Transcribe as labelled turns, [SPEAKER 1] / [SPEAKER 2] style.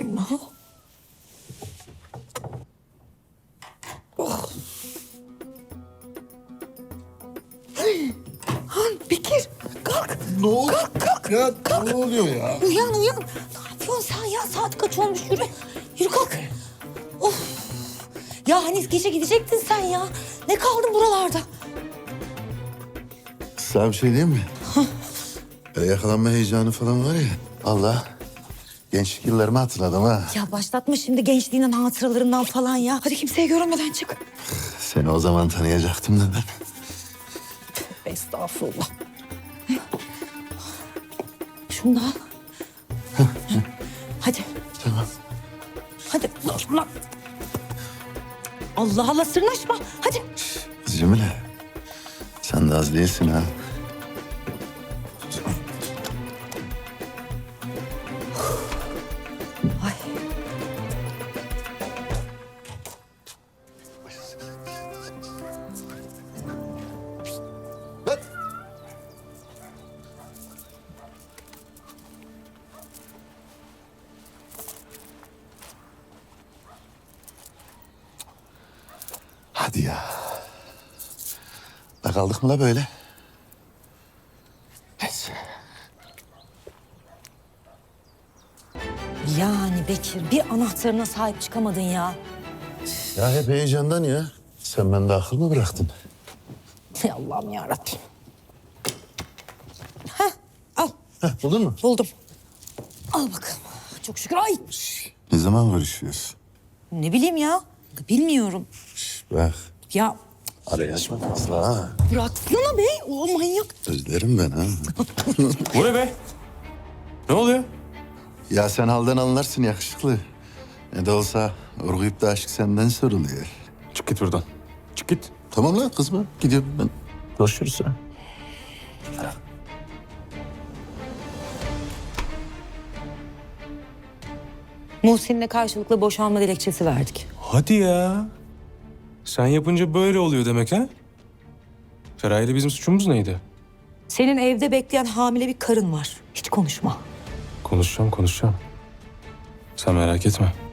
[SPEAKER 1] Allah. Oh. Han Bekir kalk.
[SPEAKER 2] Ne oldu?
[SPEAKER 1] Kalk.
[SPEAKER 2] Ya
[SPEAKER 1] Kalk.
[SPEAKER 2] ne oluyor ya?
[SPEAKER 1] Uyan. Ne yapıyorsun sen ya? Saat kaç olmuş? Yürü. Yürü kalk. Of. Ya hani gece gidecektin sen ya. Ne kaldın buralarda?
[SPEAKER 2] Sana bir şey diyeyim mi? Böyle yakalanma heyecanı falan var ya. Allah. Gençlik yıllarımı hatırladım ha.
[SPEAKER 1] Ya başlatma şimdi gençliğinin hatıralarından falan ya. Hadi kimseye görünmeden çık.
[SPEAKER 2] Seni o zaman tanıyacaktım da ben.
[SPEAKER 1] Estağfurullah. Şunu da al. Hadi.
[SPEAKER 2] Tamam.
[SPEAKER 1] Hadi. Allah. Allah Allah sırnaşma. Hadi.
[SPEAKER 2] Kız Cemile. Sen de az değilsin ha.
[SPEAKER 1] Ay.
[SPEAKER 2] Hadi ya. Da kaldık mı la böyle? Neyse.
[SPEAKER 1] Yani Bekir bir anahtarına sahip çıkamadın ya.
[SPEAKER 2] Ya hep heyecandan ya. Sen bende akıl mı bıraktın?
[SPEAKER 1] Ey Allah'ım yarabbim. Heh, al.
[SPEAKER 2] Buldun mu?
[SPEAKER 1] Buldum. Al bakalım. Çok şükür. Ay.
[SPEAKER 2] Ne zaman görüşüyoruz?
[SPEAKER 1] Ne bileyim ya. Bilmiyorum.
[SPEAKER 2] Bak.
[SPEAKER 1] Ya
[SPEAKER 2] Arayı açma fazla ha.
[SPEAKER 1] bıraksana be. O manyak.
[SPEAKER 2] Özlerim ben ha.
[SPEAKER 3] Bu ne be? Ne oluyor?
[SPEAKER 2] Ya sen halden anlarsın yakışıklı. Ne de olsa urguyup da aşk senden soruluyor.
[SPEAKER 3] Çık git buradan. Çık git.
[SPEAKER 2] Tamam lan kızma. Gidiyorum ben. Görüşürüz ha.
[SPEAKER 1] Muhsin'le karşılıklı boşanma dilekçesi verdik.
[SPEAKER 3] Hadi ya. Sen yapınca böyle oluyor demek ha? Feraye'yle bizim suçumuz neydi?
[SPEAKER 1] Senin evde bekleyen hamile bir karın var. Hiç konuşma.
[SPEAKER 3] Konuşacağım. Sen merak etme.